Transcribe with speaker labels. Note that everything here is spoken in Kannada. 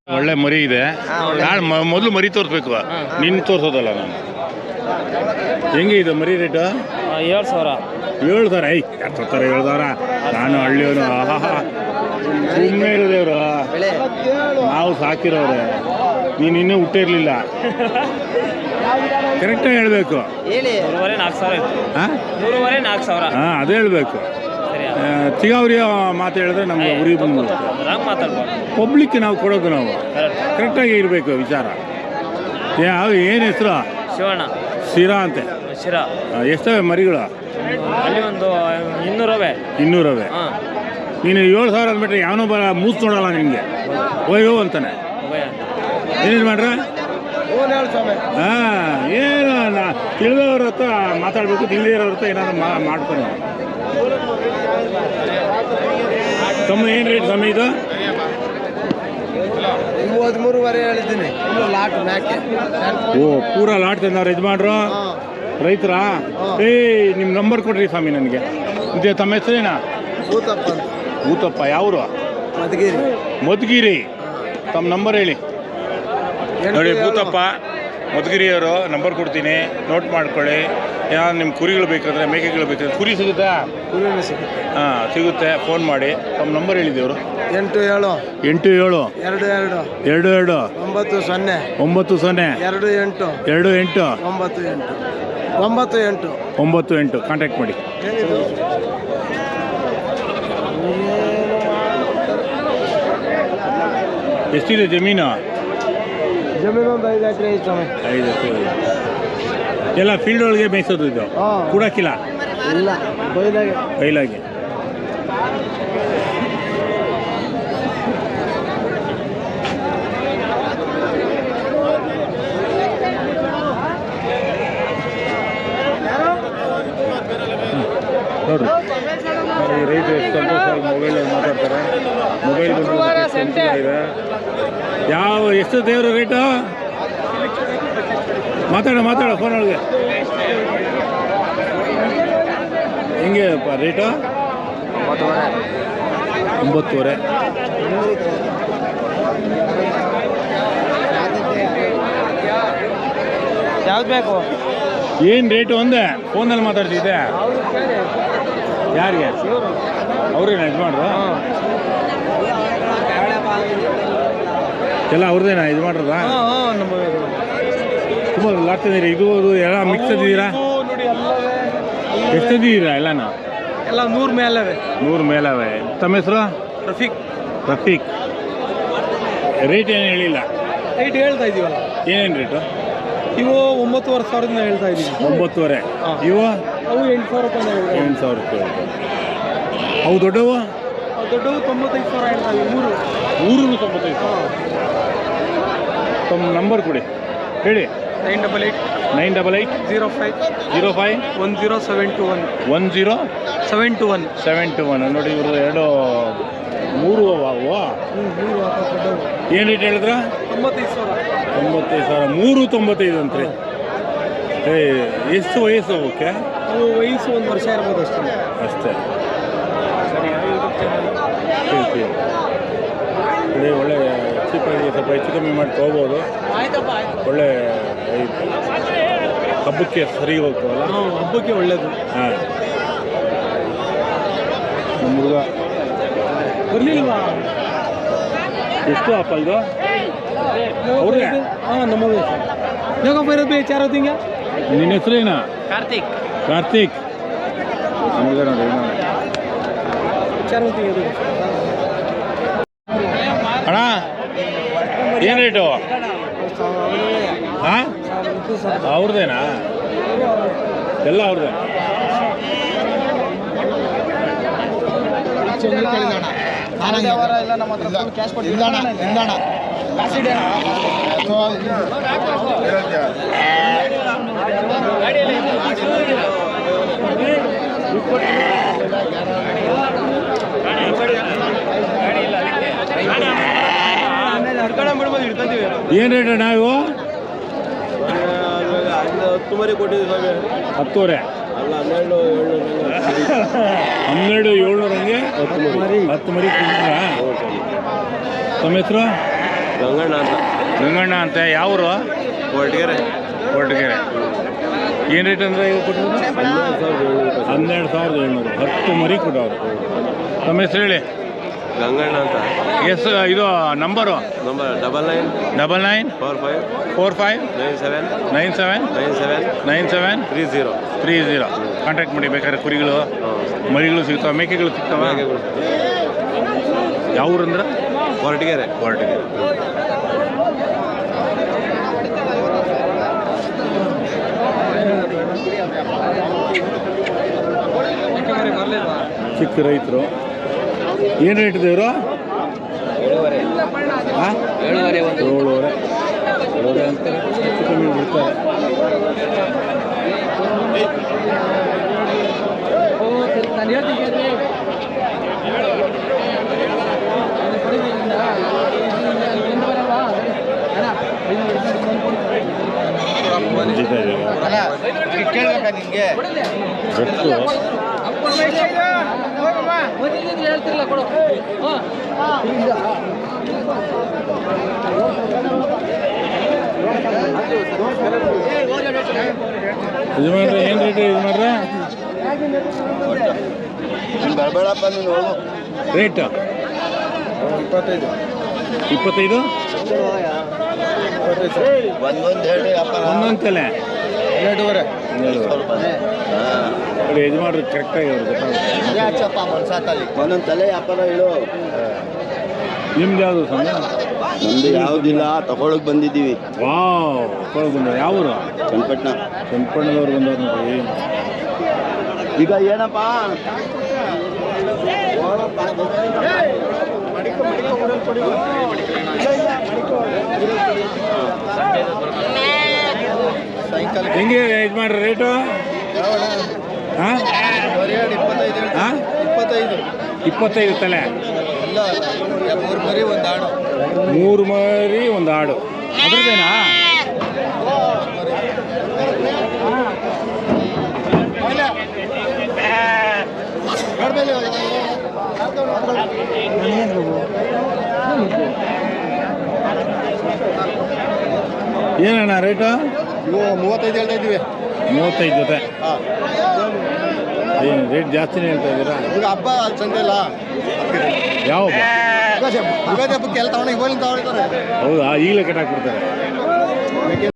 Speaker 1: ಒಳ್ಳೆ ಮರಿ ಇದೆ. ನಾನು ಮೊದಲು ಮರಿ ತೋರಿಸ್ಬೇಕು, ನಿನ್ನ ತೋರಿಸೋದಲ್ಲ ನಾನು. ಹೆಂಗೆ ಇದು ಮರಿ ರೇಟು?
Speaker 2: 7,000.
Speaker 1: 7,000. ಐ ಎತ್ತರ 7,000. ನಾನು ಹಳ್ಳಿಯವನು. ಸುಮ್ಮನೆ ಇರೋದೇವ್ರು, ನಾವು ಸಾಕಿರೋರೆ. ನೀನು ಇನ್ನೂ ಹುಟ್ಟಿರ್ಲಿಲ್ಲ. ಕರೆಕ್ಟಾಗಿ ಹೇಳ್ಬೇಕು. ಹಾಂ ಅದೇ ಹೇಳ್ಬೇಕು. ಚಿಗಾವರಿಯ ಮಾತು ಹೇಳಿದ್ರೆ ನಮ್ಗೆ ಉರಿ ಬಂದು ಪಬ್ಲಿಕ್ ನಾವು ಕೊಡೋದು, ನಾವು ಕರೆಕ್ಟಾಗಿ ಇರಬೇಕು ವಿಚಾರ. ಯಾವ ಏನು ಹೆಸರು?
Speaker 2: ಶಿವಣ್ಣ.
Speaker 1: ಶಿರಾ ಅಂತೆ.
Speaker 2: ಶಿರಾ.
Speaker 1: ಎಷ್ಟವೆ ಮರಿಗಳು?
Speaker 2: ಅಲ್ಲಿ ಒಂದು 200.
Speaker 1: 200. ನೀನು 7,000 ಅಂದ್ಬಿಟ್ರೆ ಯಾವನೋ ಮೂಸ್ ನೋಡಲ್ಲ ನಿಮಗೆ, ಓಯೋ ಅಂತಾನೆ. ಏನೇನು ಮಾಡ್ರ? ಹಾಂ, ಏನು ತಿಳಿದವ್ರ ಹತ್ರ ಮಾತಾಡಬೇಕು, ತಿಳಿದಿರೋರ ಹತ್ರ ಏನಾದ್ರು ಮಾಡ್ಕೊಂಡು. ತಮ್ಮ ಏನು ರೇಟ್ ಸಮಯ ಇದು?
Speaker 3: 13.5 ಹೇಳಿದ್ದೀನಿ.
Speaker 1: ಓ, ಪೂರಾ ಲಾಟ್ ತಂದವ್ರು ಯಜಮಾನ್ರು, ರೈತರಾ? ನಿಮ್ಮ ನಂಬರ್ ಕೊಡ್ರಿ ಸ್ವಾಮಿ ನನಗೆ. ತಮ್ಮ ಹೆಸರೇನಾ?
Speaker 3: ಊತಪ್ಪ.
Speaker 1: ಊತಪ್ಪ. ಯಾವರು? ಮಧುಗಿರಿ. ತಮ್ಮ ನಂಬರ್ ಹೇಳಿ. ನೋಡಿ, ಭೂತಪ್ಪ ಮಧುಗಿರಿಯವರು ನಂಬರ್ ಕೊಡ್ತೀನಿ, ನೋಟ್ ಮಾಡ್ಕೊಳ್ಳಿ. ಯಾರು ನಿಮ್ಮ ಕುರಿಗಳು ಬೇಕಾದ್ರೆ, ಮೇಕೆಗಳು ಬೇಕಾದ್ರೆ. ಕುರಿ ಸಿಗುತ್ತಾ? ಹಾಂ, ಸಿಗುತ್ತೆ. ಫೋನ್ ಮಾಡಿ. ತಮ್ಮ ನಂಬರ್ ಹೇಳಿದ್ದೇವರು?
Speaker 3: 87
Speaker 1: 22
Speaker 3: 90
Speaker 1: 28 98 ಕಾಂಟ್ಯಾಕ್ಟ್ ಮಾಡಿ. ಎಷ್ಟಿದೆ ಜಮೀನು?
Speaker 3: ಒಂದು 5 ಎಕರೆ ಐತೆ.
Speaker 1: 5 ಎಕರೆ. ಎಲ್ಲ ಫೀಲ್ಡ್ ಒಳಗೆ ಮೇಯಿಸೋದು ಇದು? ಕೂಡಕ್ಕಿಲ್ಲ?
Speaker 3: ಇಲ್ಲ,
Speaker 1: ಬೈಲಾಗೆ. ನೋಡ್ರಿ, ರೈತರು ಎಷ್ಟು ಸಂತೋಷವಾಗಿ ಮೊಬೈಲಲ್ಲಿ ಮಾತಾಡ್ತಾರೆ. ಮೊಬೈಲ್ ಇದೆ. ಎಷ್ಟು ದೇವ್ರ ರೇಟು? ಮಾತಾಡ ಫೋನ್ ಒಳಗೆ. ಹೆಂಗೆ ರೇಟು? 9,500.
Speaker 2: ಯಾವ್ದು ಬೇಕು?
Speaker 1: ಏನು ರೇಟು ಒಂದೇ? ಫೋನಲ್ಲಿ ಮಾತಾಡ್ತಿದ್ದೆ. ಯಾರಿಗೆ? ಅವ್ರೇನು ಯಜಮಾನ್ರು? ಎಲ್ಲ ಅವ್ರದ್ದೇನಾ ಯಜಮಾನ್ರದ? ತುಂಬ ಲಾಟ್ ತಂದಿರಿ. ಇದು ಎಲ್ಲ ಮಿಕ್ಸ್ ತಂದಿದ್ದೀರಾ? ಎಷ್ಟು ತಂದಿದ್ದೀರಾ? ಎಲ್ಲನೂ
Speaker 2: ಎಲ್ಲ 100 ಮೇಲವೆ.
Speaker 1: 100 ಮೇಲವೆ. ತಮ್ಮ ಹೆಸರು? ರಫೀಕ್. ರೇಟ್ ಏನು ಹೇಳಿಲ್ಲ?
Speaker 2: ರೇಟ್ ಹೇಳ್ತಾ ಇದೀವಲ್ಲ.
Speaker 1: ಏನೇನು ರೇಟು?
Speaker 2: ಇವು 9,500 ಹೇಳ್ತಾ ಇದೀವಿ.
Speaker 1: 9,500. ಇವು?
Speaker 2: ಅವು 8,000 ರೂಪಾಯಿ.
Speaker 1: 8,000 ರೂಪಾಯಿ. ಅವು ದೊಡ್ಡವು?
Speaker 2: 95,000 ಹೇಳ್ತಾ ಇದ್ದೀವಿ.
Speaker 1: 3 95,000. ತಮ್ಮ ನಂಬರ್ ಕೊಡಿ, ಹೇಳಿ. 988 05 1071. ನೋಡಿ, ಇವರು 3 ಅವು. ಏನು ರೇಟ್ ಹೇಳಿದ್ರ? 95,000. 395 ಅಂತ್ರಿ. ಎಷ್ಟು ವಯಸ್ಸು ಅವಕ್ಕೆ?
Speaker 2: ವಯಸ್ಸು 1 ವರ್ಷ ಇರ್ಬೋದು
Speaker 1: ಅಷ್ಟೇ. ನೋಡಿ, ಒಳ್ಳೆ ಚೀಪಾಗಿ ಸ್ವಲ್ಪ ಹೆಚ್ಚು ಕಮ್ಮಿ ಮಾಡಿ ತೊಗೋಬೋದು. ಒಳ್ಳೆ ಹಬ್ಬಕ್ಕೆ ಸರಿ ಹೋಗ್ತವಲ್ಲ,
Speaker 2: ಹಬ್ಬಕ್ಕೆ ಒಳ್ಳೇದು.
Speaker 1: ಹಾಂ, ನಮ್ಮ ಹುಡುಗ
Speaker 2: ಬರಲಿಲ್ವಾ?
Speaker 1: ಎಷ್ಟು ಅಪ್ಪ ಇದು? ಅವ್ರಿಗೆ?
Speaker 2: ಹಾಂ, ನಮಗೆ ಯೋಗಪ್ಪ ಇರೋದು ಬೇಚಾರ ತಿಂಗ.
Speaker 1: ನಿನ್ನ ಹೆಸರೇನ? ಕಾರ್ತಿಕ್. ನಮಗೆ ನೋಡಿ ಅಣ್ಣ, ಏನು ರೇಟು? ಹಾಂ, ಅವ್ರದ್ದೇನಾ? ಎಲ್ಲ ಅವ್ರದ್ದೇ. ಏನು ರೇಟ್ ಅಣ್ಣ ಇವು?
Speaker 3: 10 ಮರಿ ಕೊಟ್ಟಿದ್ದೀವಿ.
Speaker 1: 10,000
Speaker 3: ಅಲ್ಲ, 12,
Speaker 1: 700 ಹಂಗೆ 10 ಮರಿ ಕೊಡ್ತೀರಾ? ತಮ್ಮ ಹೆಸರು?
Speaker 3: ಗಂಗಣ್ಣ ಅಂತ
Speaker 1: ಗಂಗಣ್ಣ ಅಂತ ಯಾವರು?
Speaker 3: ಕೊರಟಗೆರೆ.
Speaker 1: ಕೊರಟಗೆರೆ. ಏನು ರೇಟ್ ಅಂದರೆ ಈಗ ಕೊಟ್ಟರು? 12,700. 10 ಮರಿ ಕೊಟ್ಟವ್ರು. ತಮ್ಮ ಹೆಸರು ಹೇಳಿ.
Speaker 3: ಗಂಗಣ್ಣ ಅಂತ.
Speaker 1: ಇದು ನಂಬರು?
Speaker 3: ನಂಬರ್ 99
Speaker 1: 45 97 30 ಕಾಂಟ್ಯಾಕ್ಟ್ ಮಾಡಿ. ಬೇಕಾದ್ರೆ ಕುರಿಗಳು ಮರಿಗಳು ಸಿಗ್ತಾವೆ, ಮೇಕೆಗಳು ಸಿಗ್ತಾವ. ಯಾವ ಊರಂದ್ರೆ?
Speaker 3: ಕೊರಟಗೆರೆ.
Speaker 1: ಚಿಕ್ಕ ರೈತರು. ಏನು ರೇಟ್ ಇದೆ ಇವರು? 7,500 ಅಂತಾರೆ. ಹೆಚ್ಚು ಕಮ್ಮಿ ಬಿಡ್ತಾರೆ. ಯಜಮಾನ್ರೆ ಏನು ರೇಟ್ ಯಜಮಾನ್ರೆ? ರೇಟ್ 25 ಒಂದೊಂದು ತಲೆ
Speaker 3: 2.5.
Speaker 1: ನೋಡಿ ಯಜಮಾನ್ರು ಕರೆಕ್ಟಾಗಿ ಅವ್ರು ಗೊತ್ತಾಗುತ್ತೆ.
Speaker 3: ಒಂದೊಂದು ತಲೆ ವ್ಯಾಪಾರ ಹೇಳು.
Speaker 1: ನಿಮ್ದು ಯಾವುದು ಸಣ್ಣ?
Speaker 3: ನಮ್ದು ಯಾವುದಿಲ್ಲ, ತಗೊಳಕ್ ಬಂದಿದ್ದೀವಿ.
Speaker 1: ವಾವ್, ತಗೊಳಕ್ ಬಂದ. ಯಾವ ಊರು? ಚನ್ನಪಟ್ಟಣದವ್ರು ಬಂದವ್ರು ನೋಡಿ.
Speaker 3: ಈಗ ಏನಪ್ಪ
Speaker 1: ಹೆಂಗೆ ಯಜಮಾನ್ರ ರೇಟು? ಹಾಂ 25 ತಲೆ. 3 ಮರಿ ಒಂದು ಆಡು. ಅದ್ರದ್ದೇನಾ? ಏನಣ್ಣ ರೇಟು?
Speaker 3: 35 ಹೇಳ್ತಾ ಇದ್ದೀವಿ.
Speaker 1: 35 ಜೊತೆ. ಏನು ರೇಟ್ ಜಾಸ್ತಿನೇ ಹೇಳ್ತಾ ಇದ್ದೀರಾ?
Speaker 3: ಈಗ ಹಬ್ಬ ಸಂತೆ ಇಲ್ಲ.
Speaker 1: ಯಾವ ಹಬ್ಬ?
Speaker 3: ಯುಗಾದಿ ಹಬ್ಬಕ್ಕೆ ಎಲ್ಲ ತಗೊಂಡು ಇವಾಗ ತಗೊಳ್ತಾರೆ.
Speaker 1: ಹೌದಾ? ಈಗಲೇ ಕಟ್ಟಾಕ್ಬಿಡ್ತಾರೆ.